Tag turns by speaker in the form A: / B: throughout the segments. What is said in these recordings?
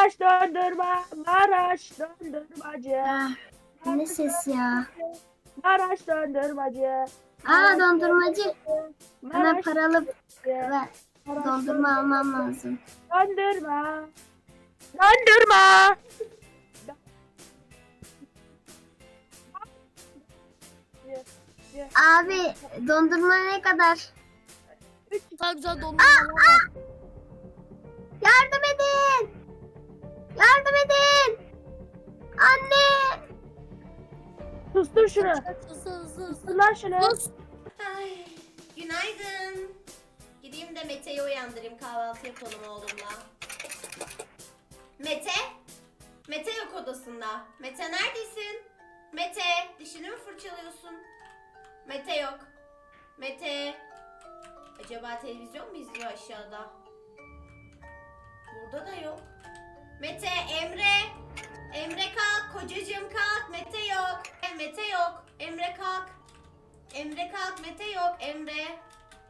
A: Maraş dondurma, Maraş dondurmacı.
B: Ah, ne ses ya?
A: Maraş dondurmacı.
B: Aa, dondurmacı. Bana
A: Maraş
B: paralı
A: dondurmacı.
B: ver.
A: Maraş
B: Dondurma almam lazım.
A: dondurma. Dondurma.
B: Abi, dondurma ne kadar?
C: Daha güzel dondurmalar var.
B: Yardım edin! Yardım edin! Anne!
A: Sustur şunu.
C: Hızlı.
A: Sustur lan şunu.
C: Sus.
D: Ay, günaydın. Gideyim de Mete'yi uyandırayım, kahvaltı yapalım oğlumla. Mete? Mete yok odasında. Mete neredesin? Mete, dişini mi fırçalıyorsun? Mete yok. Mete. Acaba televizyon mu izliyor aşağıda? Burada da yok. Mete, Emre. Emre kalk, kocacığım kalk. Mete yok. Mete yok. Emre kalk. Emre kalk, Mete yok. Emre.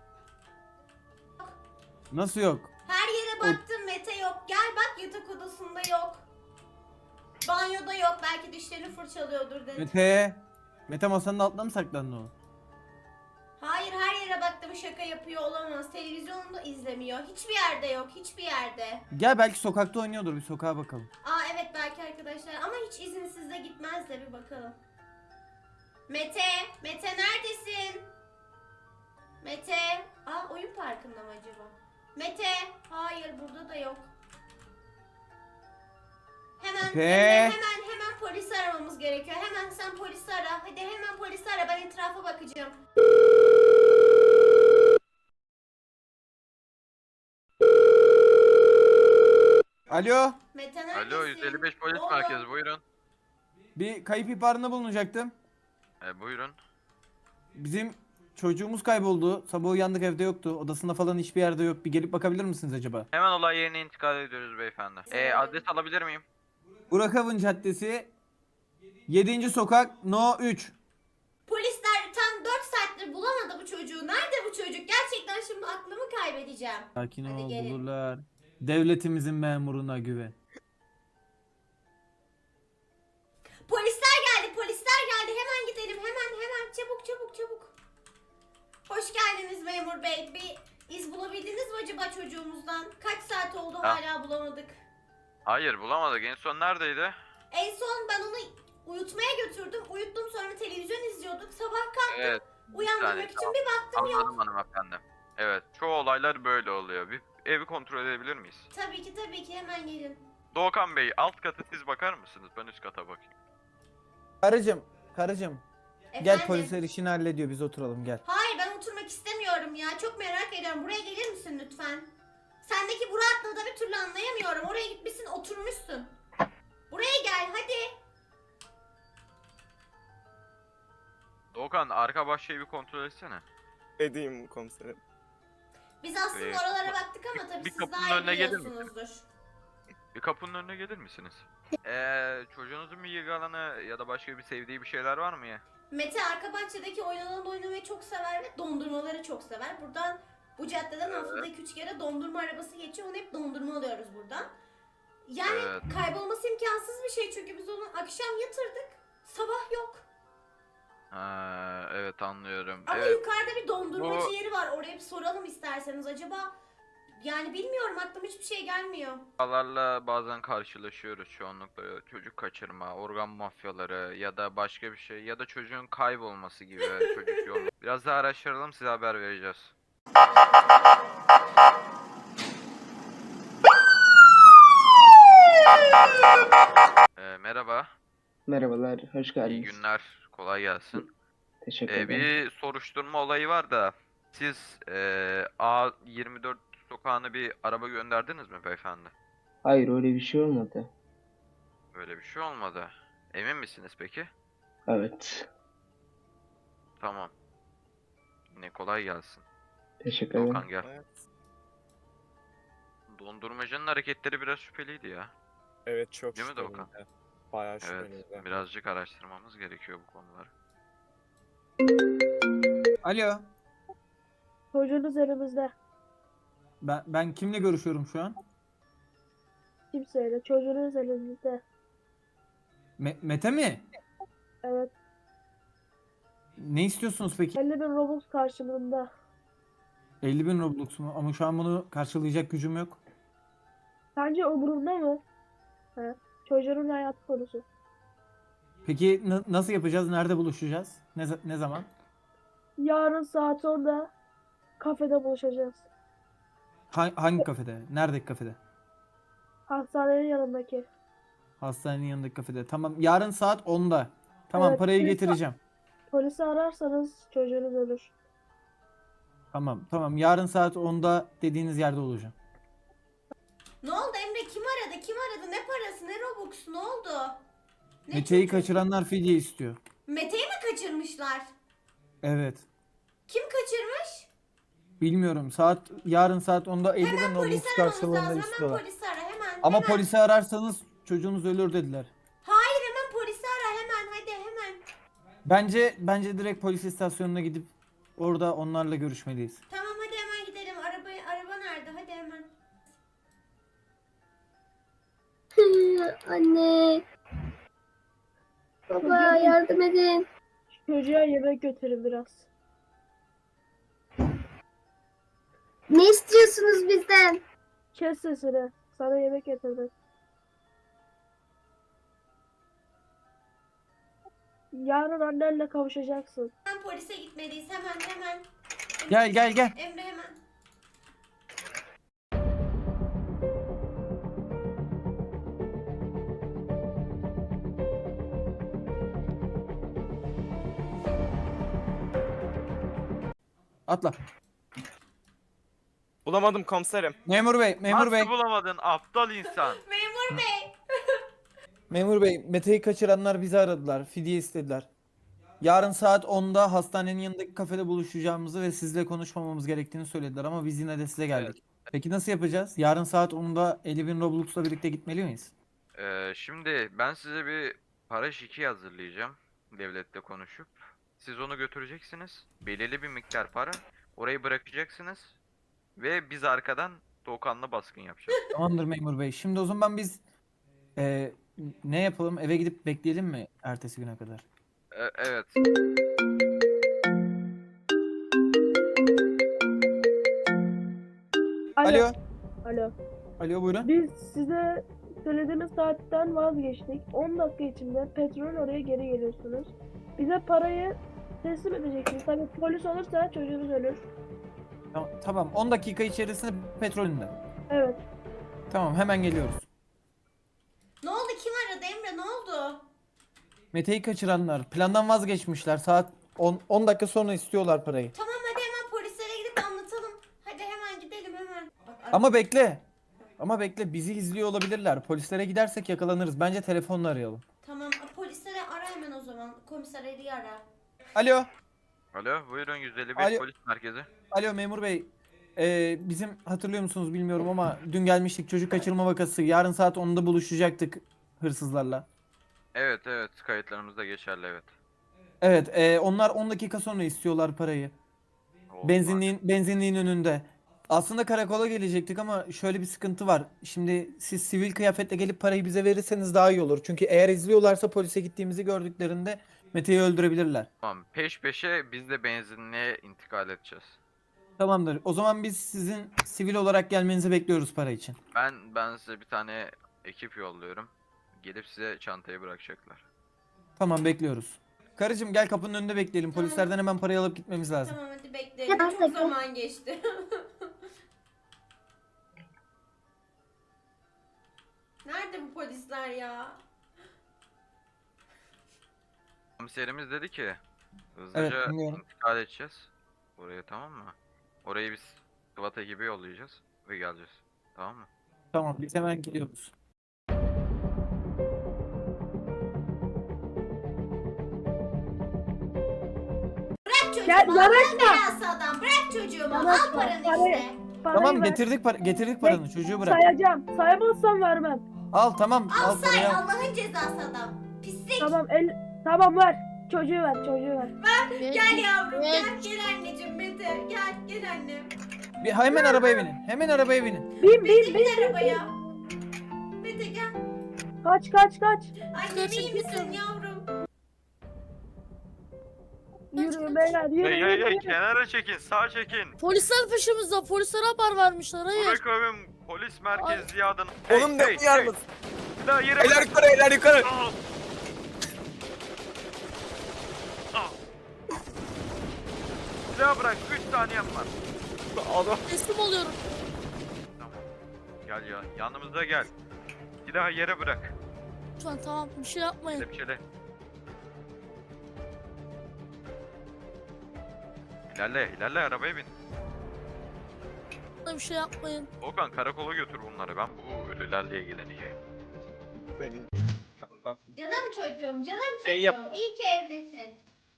E: Nasıl yok?
D: Her yere baktım, Mete yok. Gel bak, yatak odasında yok. Banyoda yok. Belki dişlerini fırçalıyordur dedim.
E: Mete masanın altına mı saklandı o?
D: Hayır, her yere baktım, şaka yapıyor olamaz. Televizyonu da izlemiyor. Hiçbir yerde yok. Hiçbir yerde.
E: Gel belki sokakta oynuyordur, bir sokağa bakalım.
D: Aa evet, belki arkadaşlar. Ama hiç izinsiz de gitmez de, bir bakalım. Mete. Mete neredesin? Mete. Aa, oyun parkında mı acaba? Mete. Hayır, burada da yok. Hemen
E: Mete.
D: hemen polisi aramamız gerekiyor. Hemen sen polisi ara. Hadi hemen polisi ara. Ben etrafa bakacağım.
E: Alo,
D: Mete neredesin?
F: Alo 155 polis
D: Oğlum.
F: merkezi buyurun.
E: bir kayıp ihbarında bulunacaktım.
F: Buyurun.
E: Bizim çocuğumuz kayboldu. Sabah uyandık, evde yoktu. Odasında falan hiçbir yerde yok. Bir gelip bakabilir misiniz acaba?
F: Hemen olay yerine intikal ediyoruz beyefendi. Adres alabilir miyim?
E: Burak Avın Caddesi 7. sokak No 3.
D: Polisler tam 4 saattir bulamadı bu çocuğu. Nerede bu çocuk? Gerçekten şimdi aklımı kaybedeceğim.
E: Sakin
D: Hadi
E: ol,
D: gelin.
E: bulurlar. Devletimizin memuruna güven.
D: Polisler geldi, polisler geldi. Hemen gidelim, hemen. Çabuk. Hoş geldiniz memur bey. Bir iz bulabildiniz mi acaba çocuğumuzdan? Kaç saat oldu hala bulamadık.
F: Hayır bulamadık. En son neredeydi?
D: En son ben onu uyutmaya götürdüm. Uyuttum, sonra televizyon izliyorduk. Sabah kalktım.
F: Evet.
D: Uyandırmak
F: saniye,
D: için
F: tamam.
D: bir baktım yok.
F: Anladım hanımefendi. Evet. Çoğu olaylar böyle oluyor. Bir evi kontrol edebilir miyiz?
D: Tabii ki hemen gelin.
F: Doğukan Bey alt katı siz bakar mısınız? Ben üst kata bakayım.
E: Karıcığım. Gel,
D: Efendim?
E: polisler işini hallediyor, biz oturalım, gel.
D: Hayır, ben oturmak istemiyorum ya. Çok merak ediyorum. Buraya gelir misin lütfen? Sendeki bu rahatlığı da bir türlü anlayamıyorum. Oraya gitmişsin, oturmuşsun. Buraya gel hadi.
F: Doğukan arka bahçeyi bir kontrol etsene.
G: Edeyim komiserim.
D: Biz aslında
F: Ee,
D: oralara baktık ama tabii
F: bir
D: siz
F: kapının
D: daha iyi
F: önüne gelir misin?
D: biliyorsunuzdur.
F: Bir kapının önüne gelir misiniz? Çocuğunuzun bir ilgi alanı ya da başka bir sevdiği bir şeyler var mı ya?
D: Mete arka bahçedeki oyun alanında oynamayı çok sever ve dondurmaları çok sever. Buradan, bu caddeden haftada 2-3 kere dondurma arabası geçiyor. Onu hep dondurma alıyoruz buradan. Yani
F: Evet.
D: kaybolması imkansız bir şey çünkü biz onu akşam yatırdık. Sabah yok.
F: Ha, evet anlıyorum.
D: Ama
F: Evet.
D: yukarıda bir dondurmacı
F: Bu-
D: yeri var. Oraya bir soralım isterseniz. Acaba, yani bilmiyorum, aklıma hiçbir şey gelmiyor.
F: Vakalarla bazen karşılaşıyoruz çoğunlukla çocuk kaçırma, organ mafyaları ya da başka bir şey ya da çocuğun kaybolması gibi çocuk yolu. Biraz daha araştıralım size haber vereceğiz. Merhaba,
H: Merhabalar, hoş
F: iyi
H: geldiniz.
F: günler, kolay gelsin.
H: Teşekkür ederim.
F: Bir soruşturma olayı var da siz A24 sokağına bir araba gönderdiniz mi beyefendi?
H: Hayır, öyle bir şey olmadı.
F: Böyle bir şey olmadı. Emin misiniz peki?
H: Evet,
F: Tamam. Yine kolay gelsin.
H: teşekkür ederim.
F: Doğukan gel.
G: Evet.
F: Dondurmacının hareketleri biraz şüpheliydi ya.
G: Evet, çok
F: Değil mi Doğukan?
G: şüpheliydi. Bayağı
F: Evet,
G: şüpheliydi.
F: birazcık araştırmamız gerekiyor bu konuları.
E: Alo,
A: Çocuğunuz elimizde.
E: ben kimle görüşüyorum şu an?
A: Kimseyle. Çocuğunuz elinizde.
E: Mete mi?
A: Evet.
E: Ne istiyorsunuz peki?
A: 50.000 Robux karşılığında.
E: 50.000 Roblox mu? Ama şu an bunu karşılayacak gücüm yok.
A: Sence umurumda mı? He. Çocuğun hayatı konusu.
E: Peki nasıl yapacağız? Nerede buluşacağız? Ne zaman?
A: Yarın saat 10'da kafede buluşacağız.
E: Hangi kafede? Neredeki kafede?
A: Hastanenin yanındaki.
E: Hastanenin yanındaki kafede. Tamam. Yarın saat 10'da. Tamam,
A: Evet,
E: parayı
A: lütfen.
E: getireceğim.
A: Polisi ararsanız çocuğunuz ölür.
E: Tamam. Yarın saat 10'da dediğiniz yerde olacağım.
D: Ne oldu Emre? Kim aradı? Kim aradı? Ne parası? Ne Robux? Ne oldu? Ne
E: Mete'yi
D: çocuğu?
E: kaçıranlar fidye istiyor.
D: Mete'yi mi kaçırmışlar?
E: Evet.
D: Kim kaçırmış?
E: Bilmiyorum. Yarın saat 10'da 50.000
D: Hemen
E: Robux
D: polisi aramamız
E: karşılığında
D: lazım. Hemen
E: istiyorlar.
D: polisi ara hemen.
E: Ama
D: hemen.
E: polisi ararsanız çocuğunuz ölür dediler.
D: Hayır hemen polisi ara hemen. Hadi hemen.
E: Bence direkt polis istasyonuna gidip orada onlarla görüşmeliyiz.
D: Tamam hadi hemen gidelim. Araba nerede? Hadi hemen.
B: Anne. Baba yardım edin.
A: Çocuğa yemek götürün biraz.
B: Ne istiyorsunuz bizden?
A: Kes sesini. Sana yemek getirdim. Yarın annenle kavuşacaksın.
D: Hemen polise gitmeliyiz. Hemen.
E: Gel.
D: Emre hemen.
E: Atla.
G: Bulamadım komiserim.
E: Memur bey.
F: Nasıl bulamadın aptal insan?
D: Memur bey.
E: Memur bey, Mete'yi kaçıranlar bizi aradılar. Fidye istediler. Yarın saat 10'da hastanenin yanındaki kafede buluşacağımızı ve sizle konuşmamamız gerektiğini söylediler ama biz yine de size geldik. Peki nasıl yapacağız? Yarın saat 10'da 50.000 Roblox'la birlikte gitmeli miyiz?
F: Şimdi ben size bir para şiki hazırlayacağım. Devletle konuşup. Siz onu götüreceksiniz. Belirli bir miktar para. Orayı bırakacaksınız. Ve biz arkadan Doğukan'la baskın yapacağız.
E: Tamamdır memur bey. Şimdi o zaman biz e, ne yapalım? Eve gidip bekleyelim mi ertesi güne kadar?
F: Evet.
E: Alo.
A: Alo.
E: Buyurun.
A: Biz size söylediğimiz saatten vazgeçtik. 10 dakika içinde petrol oraya geri geliyorsunuz. Bize parayı teslim edeceksiniz. Tabii polis olursa çocuğunuz ölür.
E: Tamam. 10 dakika içerisinde petrolünde.
A: Evet.
E: Tamam, hemen geliyoruz.
D: Ne oldu? Kim aradı Emre? Ne oldu?
E: Mete'yi kaçıranlar plandan vazgeçmişler. Saat 10 dakika sonra istiyorlar parayı.
D: Tamam hadi hemen polislere gidip anlatalım. Hadi hemen gidelim hemen. Bak,
E: Ama bekle, bizi izliyor olabilirler. Polislere gidersek yakalanırız. Bence telefonla arayalım.
D: Tamam polislere ara hemen o zaman. Komiser Ali'yi ara.
E: Alo.
F: Alo buyurun 151
E: Alo.
F: polis merkezi.
E: Alo memur bey. Bizim hatırlıyor musunuz bilmiyorum ama dün gelmiştik, çocuk kaçırma vakası. Yarın saat 10'da buluşacaktık hırsızlarla.
F: Evet kayıtlarımızda geçerli evet.
E: Evet, onlar 10 dakika sonra istiyorlar parayı.
F: Oldu.
E: Benzinliğin önünde. Aslında karakola gelecektik ama şöyle bir sıkıntı var. Şimdi siz sivil kıyafetle gelip parayı bize verirseniz daha iyi olur. Çünkü eğer izliyorlarsa polise gittiğimizi gördüklerinde Mete'yi öldürebilirler.
F: Tamam peş peşe biz de benzinliğe intikal edeceğiz.
E: Tamamdır. O zaman biz sizin sivil olarak gelmenizi bekliyoruz para için.
F: Ben size bir tane ekip yolluyorum. Gelip size çantayı bırakacaklar.
E: Tamam, bekliyoruz. Karıcığım gel, kapının önünde bekleyelim. Polislerden hemen parayı alıp gitmemiz lazım.
D: Tamam hadi bekleyelim.
B: Tamam,
D: Çok
B: peki.
D: zaman geçti. Nerede bu polisler ya?
F: Komiserimiz dedi ki hızlıca
E: dinliyorum.
F: intikal edeceğiz. Oraya tamam mı? Orayı biz SWAT ekibi yollayacağız ve geleceğiz. Tamam mı?
E: Tamam, biz hemen gidiyoruz.
D: Bırak çocuğumu.
A: Gel,
D: Allah
A: yanaşma.
D: belası adam. Bırak çocuğumu. Al
A: Yanaşma,
D: paranı
A: parayı-
D: işte.
A: Parayı
E: Tamam,
A: ver.
E: getirdik paranı. Çocuğu bırak.
A: Sayacağım. Sayamazsam vermem.
E: Al, tamam.
D: Al
E: Al
D: say
E: parayı al.
D: Allah'ın cezası adam. Pislik.
A: Tamam ver. Çocuğu ver.
D: Gel yavrum
C: Evet.
D: gel anneciğim Mete. Gel annem.
E: Hemen arabaya binin. Hemen arabaya binin.
A: Bin.
D: Bin arabaya. Mete gel.
A: Kaç kaç kaç.
D: Annem iyi misin yavrum?
A: Yürü beyler yürü.
F: Hey
A: yürü,
F: hey hey
A: yürü.
F: kenara çekin, sağ çekin.
C: Polisler peşimizde. Polislere haber vermişler. Hayır.
F: Burak abim polis merkezli adına.
G: Oğlum ne uyar mısın?
F: La yere
G: Eller
F: bırak.
G: yukarı, eller yukarı.
F: Al. Al. Silah bırak, 3 saniyem var.
G: Adam.
C: Teslim oluyorum.
F: Tamam. Gel ya, yanımıza gel. Silahı yere bırak.
C: Lütfen tamam bir şey yapmayın.
F: Kelepçele. İlerle, ilerle arabaya bin.
C: Bir şey yapmayın.
F: Okan karakola götür bunları. Ben bu ölülerle ilgileneceğim.
G: Senin.
D: Canım çocuğum, canım çocuğum.
G: Şey yap.
D: İyi ki evdesin.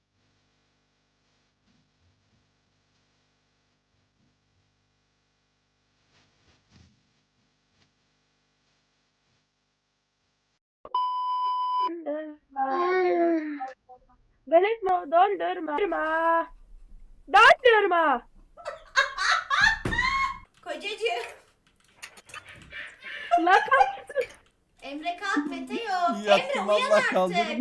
A: Belirtme, döndürme. Döndürme. Döndürme.
D: Kocacığım.
A: La kalk.
D: Emre kalk, Mete yok. Emre
E: Yattım
D: uyan
E: Allah
D: artık.
E: kaldırdım.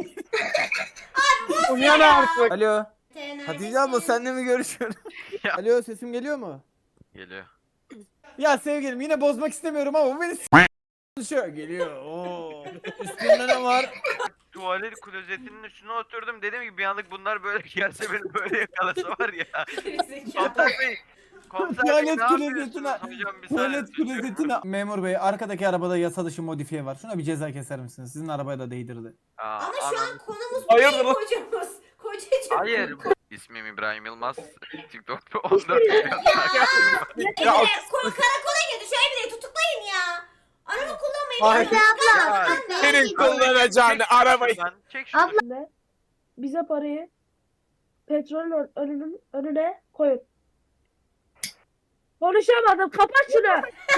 G: Uyan artık.
E: Alo.
D: Mete
E: Hatice abla
D: neredesin?
E: senle mi görüşüyorum?
F: Ya.
E: Alo sesim geliyor mu?
F: Geliyor.
E: Ya sevgilim yine bozmak istemiyorum ama bu beni konuşuyor. Geliyor. Oo. Üstünde ne var?
F: Tuvalet klozetinin üstüne oturdum. Dedim ki bir anlık bunlar böyle gelse beni böyle yakalasa var ya. Komiser Bey. Komiser Bey
E: Tuvalet
F: ne
E: klozetine.
F: yapıyorsunuz? Hocam bir saniye.
E: Tuvalet klozetine. Memur bey arkadaki arabada yasa dışı modifiye var. Şuna bir ceza keser misiniz? Sizin arabaya da değdirdi.
F: Aa,
D: Ama şu
F: anladım.
D: an konumuz bu
G: Hayırdır
D: değil
G: lan?
D: kocamız. Kocacığım.
F: Hayır. İsmim İbrahim Yılmaz. TikTok'ta 14 milyon takipçim var.
G: Ya,
D: Emre karakola götür. Şu Emre'yi tutuklayın ya. Araba kullanmayın.
G: Ay.
D: Emre abla.
F: Ya.
G: Senin kullanacağını arabayı.
F: Çek şunu.
B: Abla.
A: Ne? Bize parayı petrolün önüne koyun. Konuşamadım. Kapat şunu.